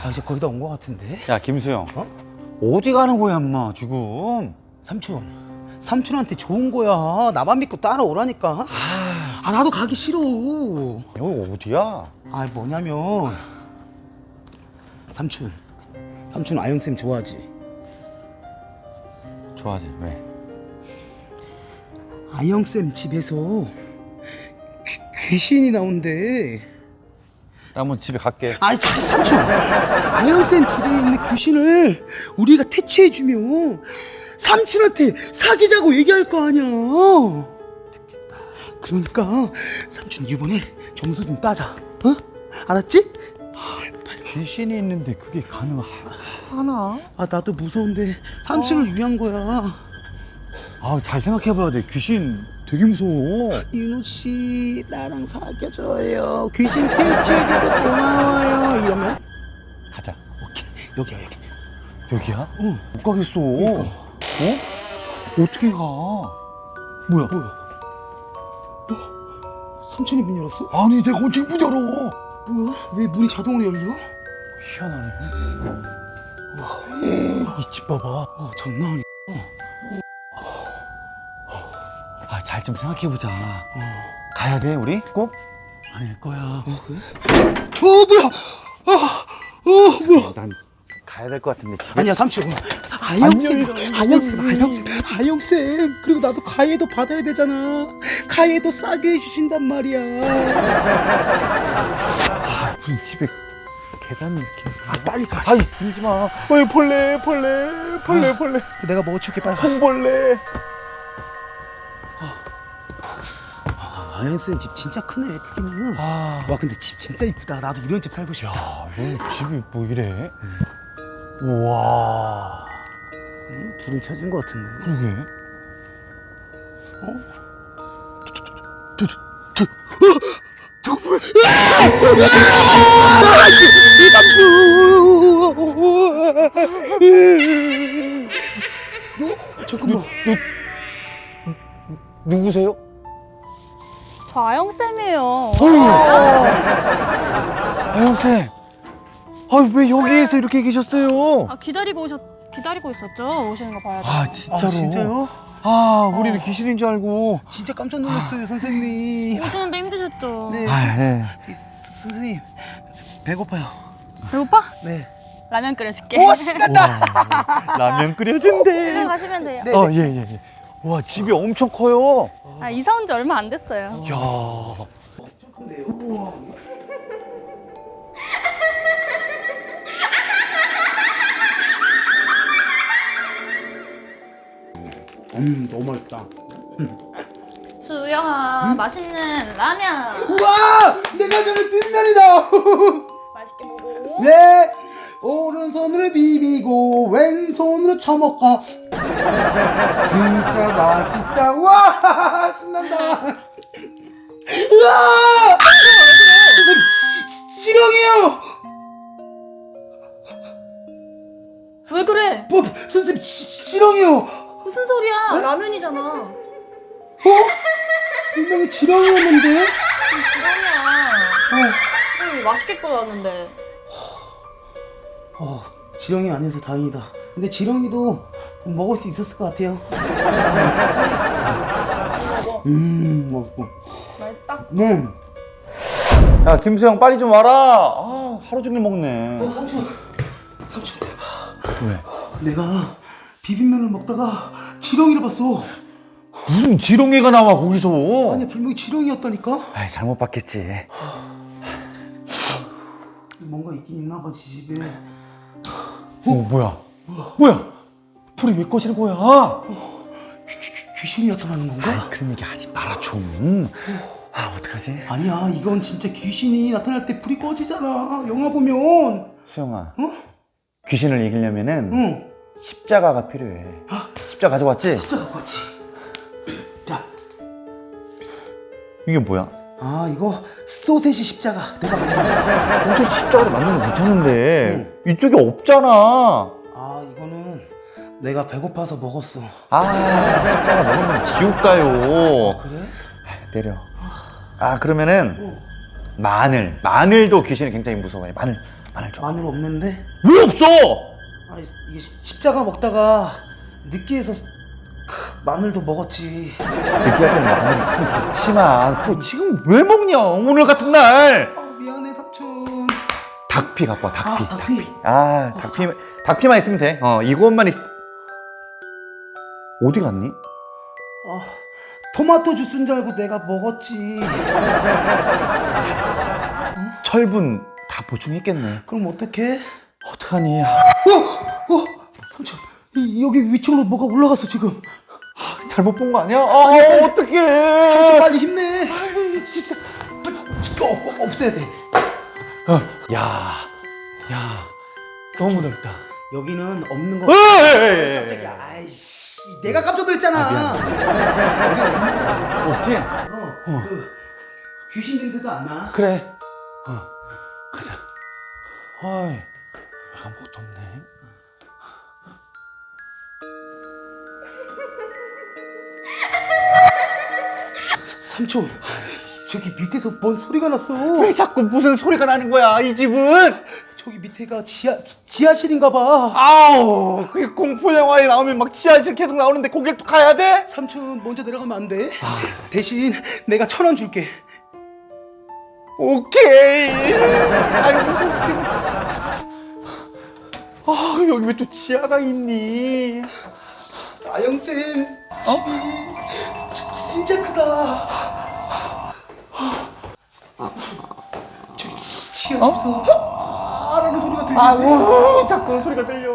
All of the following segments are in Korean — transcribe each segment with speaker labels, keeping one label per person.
Speaker 1: 아 이제 거의 다 온 거 같은데?
Speaker 2: 야 김수영, 어디 가는 거야 엄마 지금?
Speaker 1: 삼촌한테 좋은 거야. 나만 믿고 따라오라니까. 아 나도 가기 싫어.
Speaker 2: 여기 어디야?
Speaker 1: 아 뭐냐면 삼촌 아영쌤 좋아하지?
Speaker 2: 좋아하지. 왜?
Speaker 1: 아영쌤 집에서 귀신이 나온대.
Speaker 2: 나 한번 집에 갈게.
Speaker 1: 아니 자 삼촌, 아영쌤 집에 있는 귀신을 우리가 퇴치해주면 삼촌한테 사귀자고 얘기할 거 아니야. 그러니까 삼촌 이번에 점수 좀 따자. 어? 알았지?
Speaker 2: 귀신이 있는데 그게 가능하나?
Speaker 1: 아 나도 무서운데 삼촌을 위한 거야.
Speaker 2: 아, 잘 생각해봐야 돼. 귀신 되게 무서워.
Speaker 1: 윤호 씨 나랑 사귀어줘요. 귀신 퇴치해줘서 고마워요. 이러면
Speaker 2: 가자.
Speaker 1: 오케이 여기야 여기.
Speaker 2: 여기야?
Speaker 1: 응.
Speaker 2: 못 가겠어.
Speaker 1: 그러니까.
Speaker 2: 어? 어떻게 가? 뭐야?
Speaker 1: 삼촌이 문 열었어?
Speaker 2: 아니 내가 언제 문 열어?
Speaker 1: 뭐야? 왜 문이 자동으로 열려?
Speaker 2: 희한하네. 이 집 봐봐.
Speaker 1: 장난 아니야.
Speaker 2: 아, 잘 좀 생각해보자. 가야 돼 우리? 꼭? 아닐 거야.
Speaker 1: 그래? 뭐야? 뭐야?
Speaker 2: 난 가야 될 것 같은데 집에.
Speaker 1: 아니야 삼촌. 아영쌤. 그리고 나도 가해도 받아야 되잖아. 가해도 싸게 해주신단 말이야.
Speaker 2: 아, 무슨 집에 계단 이렇게.
Speaker 1: 아 빨리 가.
Speaker 2: 아이, 밀지 마. 어이, 벌레.
Speaker 1: 내가 먹어줄게 빨리 가.
Speaker 2: 콩벌레.
Speaker 1: 아영쌤 집 진짜 크네 크기는.
Speaker 2: 아,
Speaker 1: 와 근데 집 진짜 이쁘다. 나도 이런 집 살고 싶다.
Speaker 2: 야, 여기 집이 뭐 이래? 우와.
Speaker 1: 불은 켜진 것 같은데.
Speaker 2: 그러게.
Speaker 1: 저거 뭐야? 너 잠깐만.
Speaker 2: 누구세요?
Speaker 3: 저 아영쌤이에요.
Speaker 2: 아영쌤. 아, 왜 여기에서 이렇게 계셨어요?
Speaker 3: 아, 기다리고 있었죠? 오시는 거 봐야 돼.
Speaker 2: 아, 진짜로?
Speaker 1: 아 진짜요?
Speaker 2: 아, 우리는 귀신인 줄 알고.
Speaker 1: 진짜 깜짝 놀랐어요 선생님.
Speaker 3: 오시는데 힘드셨죠?
Speaker 1: 네.
Speaker 2: 아, 네.
Speaker 1: 선생님 배고파요.
Speaker 3: 배고파?
Speaker 1: 네.
Speaker 3: 라면 끓여줄게.
Speaker 1: 오 신난다.
Speaker 2: 라면 끓여준대.
Speaker 3: 가시면 돼요.
Speaker 1: 네.
Speaker 2: 예. 와, 집이 엄청 커요.
Speaker 3: 아, 이사 온 지 얼마 안 됐어요.
Speaker 2: 야.
Speaker 1: 엄청 큰데요. 우와. 너무 맛있다.
Speaker 3: 수영아, 맛있는 라면.
Speaker 1: 우와! 내가 전에 빈면이다.
Speaker 3: 맛있게 먹어.
Speaker 1: 네. 오른손으로 비비고 왼손으로 쳐먹어. 진짜 맛있다. 와 신난다. 우와! 선생님 지렁이에요.
Speaker 3: 왜 그래?
Speaker 1: 뭐 선생님 지렁이요.
Speaker 3: 무슨 소리야? 라면이잖아.
Speaker 1: 분명히 지렁이였는데.
Speaker 3: 지금 지렁이야. 맛있게 끓여왔는데.
Speaker 1: 지렁이 아니어서 다행이다. 근데 지렁이도 먹을 수 있었을 것 같아요. 먹고.
Speaker 3: 맛있어?
Speaker 1: 네.
Speaker 2: 야, 김수영 빨리 좀 와라. 아, 하루 종일 먹네.
Speaker 1: 삼촌.
Speaker 2: 왜?
Speaker 1: 내가 비빔면을 먹다가 지렁이를 봤어.
Speaker 2: 무슨 지렁이가 나와 거기서?
Speaker 1: 아니 분명히 지렁이였다니까.
Speaker 2: 아이, 잘못 봤겠지.
Speaker 1: 뭔가 있긴 있나 봐 집에.
Speaker 2: 뭐야? 불이 왜 꺼지는 거야?
Speaker 1: 귀신이 나타나는 건가?
Speaker 2: 아이, 그런 얘기 하지 마라 좀. 아, 어떡하지?
Speaker 1: 아니야 이건 진짜 귀신이 나타날 때 불이 꺼지잖아. 영화 보면.
Speaker 2: 수영아, 귀신을 이기려면은
Speaker 1: 응.
Speaker 2: 십자가가 필요해. 십자가 가져왔지?
Speaker 1: 십자가 갖고 왔지. 자.
Speaker 2: 이게 뭐야?
Speaker 1: 아 이거 소세지 십자가 내가 만들었어.
Speaker 2: 소세지 십자가로 만드는 거 괜찮은데 이쪽에 없잖아.
Speaker 1: 아 이거는 내가 배고파서 먹었어.
Speaker 2: 아, 십자가 먹으면 지옥 가요.
Speaker 1: 그래?
Speaker 2: 내려. 아, 그러면은 마늘도 귀신이 굉장히 무서워해. 마늘 마늘 줘.
Speaker 1: 마늘 없는데?
Speaker 2: 왜 없어?
Speaker 1: 아, 이게 십자가 먹다가 느끼해서 마늘도 먹었지.
Speaker 2: 느끼할 때는 마늘이 참 좋지만 그거 지금 왜 먹냐? 오늘 같은 날.
Speaker 1: 아, 미안해 삼촌.
Speaker 2: 닭피 갖고 와. 닭피.
Speaker 1: 아, 닭피.
Speaker 2: 아, 닭피만 있으면 돼. 이것만 어디 갔니?
Speaker 1: 아, 토마토 주스인 줄 알고 내가 먹었지.
Speaker 2: 철분 다 보충했겠네.
Speaker 1: 그럼 어떡해?
Speaker 2: 어떡하니?
Speaker 1: 삼촌, 여기 위층으로 뭐가 올라갔어 지금.
Speaker 2: 잘못 본 거 아니야? 어떡해.
Speaker 1: 삼촌 빨리 힘내. 진짜 없애야 돼.
Speaker 2: 야, 너무 넓다.
Speaker 1: 여기는 없는 거.
Speaker 2: 깜짝이야.
Speaker 1: 깜짝이야. 아이씨, 내가 깜짝 놀랐잖아.
Speaker 2: 없지?
Speaker 1: 그 귀신 냄새도 안 나.
Speaker 2: 그래. 가자. 어이, 아무것도 없네.
Speaker 1: 삼촌, 저기 밑에서 뭔 소리가 났어.
Speaker 2: 왜 자꾸 무슨 소리가 나는 거야, 이 집은?
Speaker 1: 저기 밑에가 지하실인가 봐.
Speaker 2: 아우, 그게 공포 영화에 나오면 막 지하실 계속 나오는데 거길 또 가야 돼?
Speaker 1: 삼촌 먼저 내려가면 안 돼? 대신 내가 1,000원 줄게.
Speaker 2: 오케이. 아이고, 솔직히. 여기 왜 또 지하가 있니?
Speaker 1: 아영쌤 집이 진짜 크다. 저기 지하실에서 라는 소리가 들리는데.
Speaker 2: 아우, 자꾸 소리가 들려.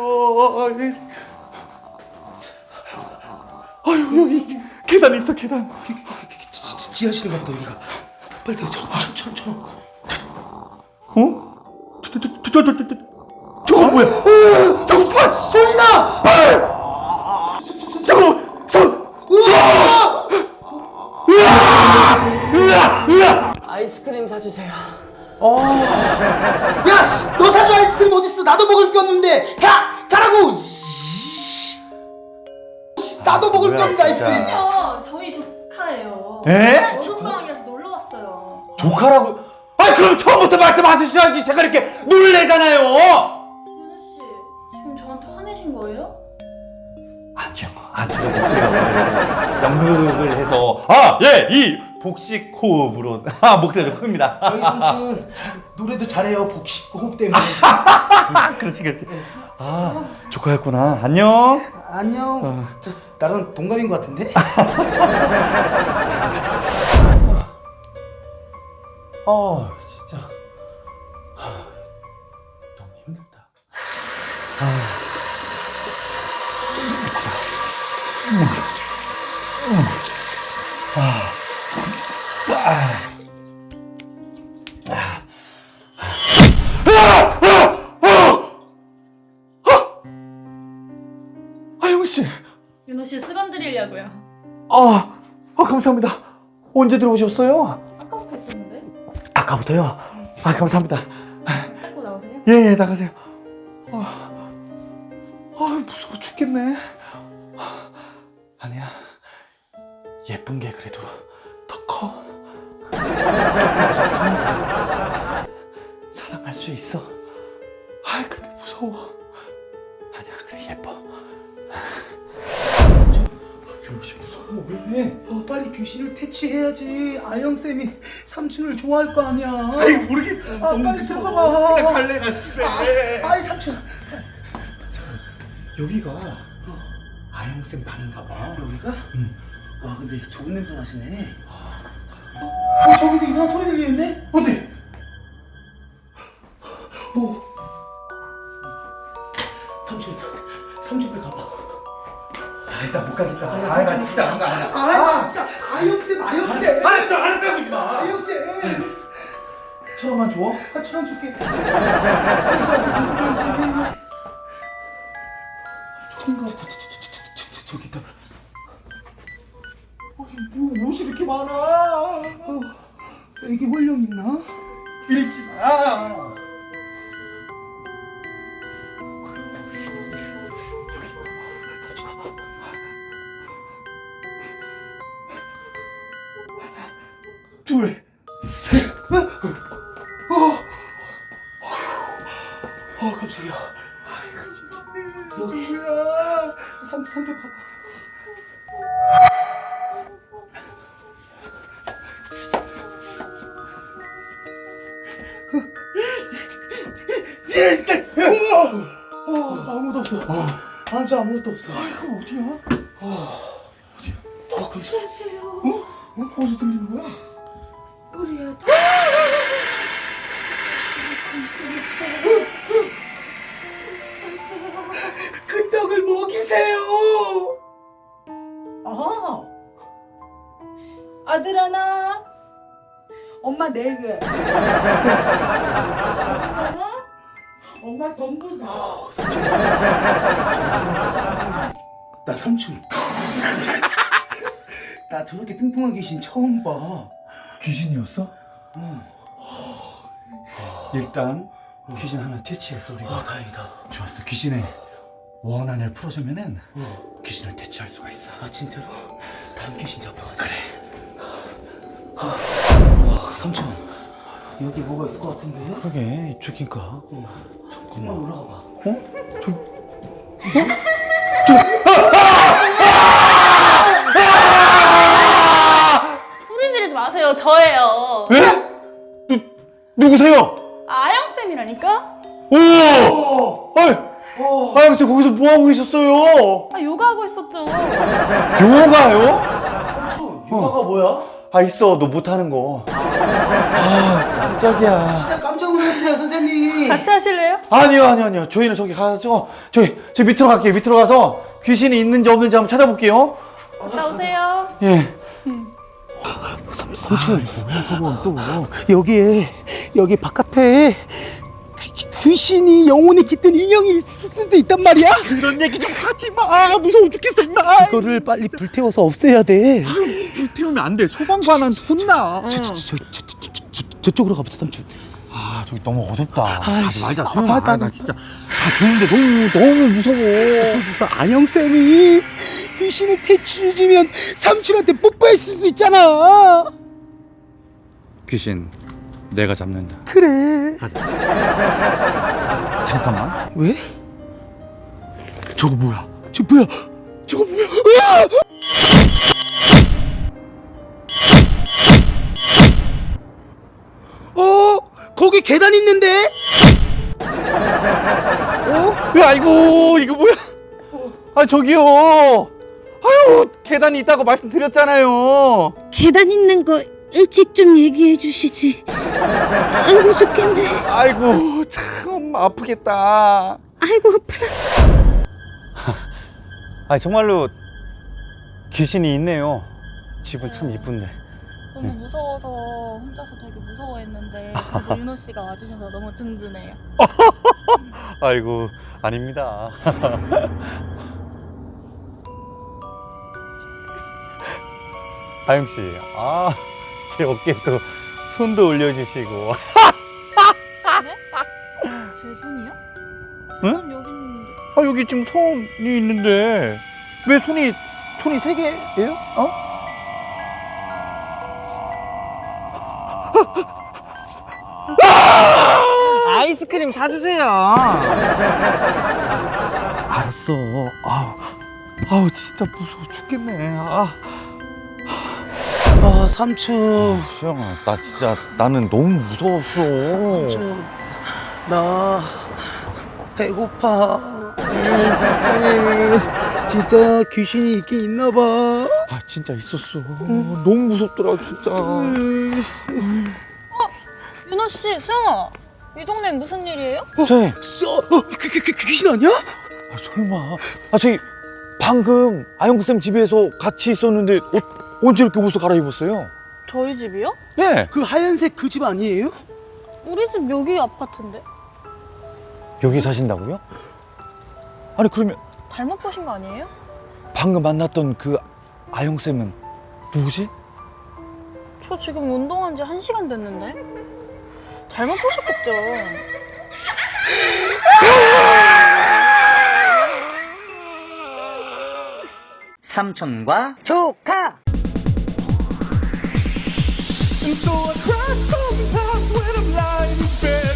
Speaker 2: 아유, 여기 계단 있어, 계단.
Speaker 1: 지하실인가 보다 여기가. 빨리 내 천천히.
Speaker 2: 어? 저거 뭐야? 저거 봐!
Speaker 1: 소리 나!
Speaker 2: 저거! 으아!
Speaker 4: 아이스크림 사주세요.
Speaker 1: 야, 씨, 너 사줘 아이스크림 어딨어? 나도 먹을 게 없는데. 가라고. 나도 먹을 게 없는데 아이스크림.
Speaker 3: 저희 조카예요.
Speaker 2: 에?
Speaker 3: 여름방학이라서 놀러 왔어요.
Speaker 2: 조카라고? 그럼 처음부터 말씀하셨어야지. 제가 이렇게 놀래잖아요.
Speaker 3: 윤우 씨, 지금 저한테 화내신 거예요?
Speaker 2: 아니요. 제가 목소리가 연극을 해서 이 복식 호흡으로 목소리가 큽니다.
Speaker 1: 저희 삼촌 노래도 잘해요. 복식 호흡 때문에.
Speaker 2: 그렇지. 조카였구나. 안녕.
Speaker 1: 안녕. 저 나랑 동갑인 것 같은데?
Speaker 2: 진짜 너무 힘들다. 아영 씨.
Speaker 3: 윤호 씨 수건 드리려고요.
Speaker 2: 감사합니다. 언제 들어오셨어요?
Speaker 3: 아까부터 있었는데?
Speaker 2: 아까부터요? 감사합니다.
Speaker 3: 닦고 나오세요?
Speaker 2: 예, 나가세요. 무서워 죽겠네. 아니야. 예쁜 게 그래도 더 커. 조금 무섭지만 사랑할 수 있어. 근데 무서워. 아니야, 그래, 예뻐. 역시 무서워. 왜?
Speaker 1: 빨리 귀신을 퇴치해야지. 아영쌤이 삼촌을 좋아할 거 아니야.
Speaker 2: 모르겠어.
Speaker 1: 빨리 들어가 봐.
Speaker 2: 그냥 갈래, 나 집에.
Speaker 1: 아이 삼촌.
Speaker 2: 여기가 아영쌤 방인가 봐.
Speaker 1: 여기가? 응. 와 근데 좋은 냄새 나시네. 저기서 이상한 소리 들리는데?
Speaker 2: 어디?
Speaker 1: 삼촌 빨리 가봐.
Speaker 2: 일단 못 가겠다.
Speaker 1: 나
Speaker 2: 진짜 안 가.
Speaker 1: 진짜 아영쌤.
Speaker 2: 알았다고 임마.
Speaker 1: 아영쌤.
Speaker 2: 천원만 줘.
Speaker 1: 1,000원 줄게. 저기 있다.
Speaker 2: 뭐 옷이 이렇게 많아?
Speaker 1: 이게 홀령 있나?
Speaker 2: 밀지 마. 둘, 셋.
Speaker 1: 저기요. 여기야. 삼촌 가봐. 아무도 없어. 앉아 아무것도 없어. 이거 어디야?
Speaker 3: 누구세요?
Speaker 1: 어디서 들리는 거야?
Speaker 3: 우리 애들.
Speaker 1: 그 떡을 먹이세요.
Speaker 4: 아들 하나, 엄마 4개. 엄마 전부 다.
Speaker 1: 나 삼촌. 나 저렇게 뚱뚱한 귀신 처음 봐.
Speaker 2: 귀신이었어? 일단 귀신 하나 퇴치했어 우리가.
Speaker 1: 다행이다.
Speaker 2: 좋았어. 귀신의 원한을 풀어주면은 귀신을 퇴치할 수가 있어.
Speaker 1: 아 진짜로? 다음 귀신 잡으러 가자. 그래. 삼촌 여기 뭐가 있을 것 같은데?
Speaker 2: 그러게 이쪽인가?
Speaker 1: 잠깐만 올라가 봐.
Speaker 3: 소리 지르지 마세요. 저예요.
Speaker 2: 에? 누구세요?
Speaker 3: 아영쌤이라니까?
Speaker 2: 오! 아이, 아영씨 거기서 뭐 하고 계셨어요?
Speaker 3: 요가하고 있었죠.
Speaker 2: 요가요?
Speaker 1: 삼촌 요가가 뭐야?
Speaker 2: 아 있어 너 못하는 거. 아 깜짝이야.
Speaker 1: 진짜 깜짝 놀랐어요 선생님.
Speaker 3: 같이 하실래요?
Speaker 2: 아니요 저희는 저기 가서 저 밑으로 갈게요. 밑으로 가서 귀신이 있는지 없는지 한번 찾아볼게요.
Speaker 3: 갔다 오세요.
Speaker 2: 예.
Speaker 1: 삼촌
Speaker 2: 뭐야 저건 또.
Speaker 1: 여기 바깥에 귀신이 영혼이 깃든 인형이 있을 수도 있단 말이야?
Speaker 2: 그런 얘기 좀 하지 마. 무서워 죽겠어 임마.
Speaker 1: 이거를 빨리 불태워서 없애야 돼.
Speaker 2: 태우면 안 돼. 소방관은 혼나.
Speaker 1: 저쪽으로 가보자 삼촌.
Speaker 2: 아 저기 너무 어둡다.
Speaker 1: 아이씨.
Speaker 2: 가지 말자.
Speaker 1: 아,
Speaker 2: 소영아.
Speaker 1: 나
Speaker 2: 나 진짜 다 좋은데 너무 무서워.
Speaker 1: 그래서 안영쌤이 귀신을 퇴치해주면 삼촌한테 뽀뽀했을 수 있잖아.
Speaker 2: 귀신 내가 잡는다.
Speaker 1: 그래.
Speaker 2: 잠깐만.
Speaker 1: 왜?
Speaker 2: 저거 뭐야?
Speaker 1: 저거 뭐야? 으아! 거기 계단 있는데?
Speaker 2: 아이고 이거 뭐야? 아 저기요. 아유 계단이 있다고 말씀드렸잖아요.
Speaker 5: 계단 있는 거 일찍 좀 얘기해 주시지. 아이고 죽겠네.
Speaker 2: 아이고 참 아프겠다.
Speaker 5: 아이고 아파라.
Speaker 2: 아 정말로 귀신이 있네요. 집은 참 이쁜데.
Speaker 3: 너무 무서워서 혼자서 되게 무서워했는데 그래도 윤호 씨가 와주셔서 너무 든든해요.
Speaker 2: 아이고 아닙니다. 아영 씨, 제 어깨에 또 손도 올려주시고.
Speaker 3: 제 손이요?
Speaker 2: 응?
Speaker 3: 전 여기 있는데.
Speaker 2: 여기 지금 손이 있는데 왜 손이 3개예요?
Speaker 4: 아이스크림 사주세요.
Speaker 2: 알았어. 아우 진짜 무서워 죽겠네.
Speaker 1: 삼촌.
Speaker 2: 수영아, 나 진짜 나는 너무 무서웠어.
Speaker 1: 삼촌. 나 배고파. 진짜 귀신이 있긴 있나 봐.
Speaker 2: 진짜 있었어. 너무 무섭더라 진짜.
Speaker 3: 윤호 씨, 수영아. 이 동네 무슨 일이에요?
Speaker 2: 쟤,
Speaker 1: 귀신 아니야?
Speaker 2: 설마. 저기 방금 아영쌤 집에서 같이 있었는데 언제 이렇게 옷을 갈아입었어요?
Speaker 3: 저희 집이요?
Speaker 2: 네.
Speaker 1: 그 하얀색 그 집 아니에요?
Speaker 3: 우리 집 여기 아파트인데.
Speaker 2: 여기 사신다고요? 아니 그러면
Speaker 3: 잘못 보신 거 아니에요?
Speaker 2: 방금 만났던 그 아영쌤은 누구지?
Speaker 3: 저 지금 운동한 지 1시간 됐는데. 잘못 보셨겠죠.
Speaker 4: 삼촌과
Speaker 5: 조카.
Speaker 6: And so I cry sometimes when I'm lying in bed.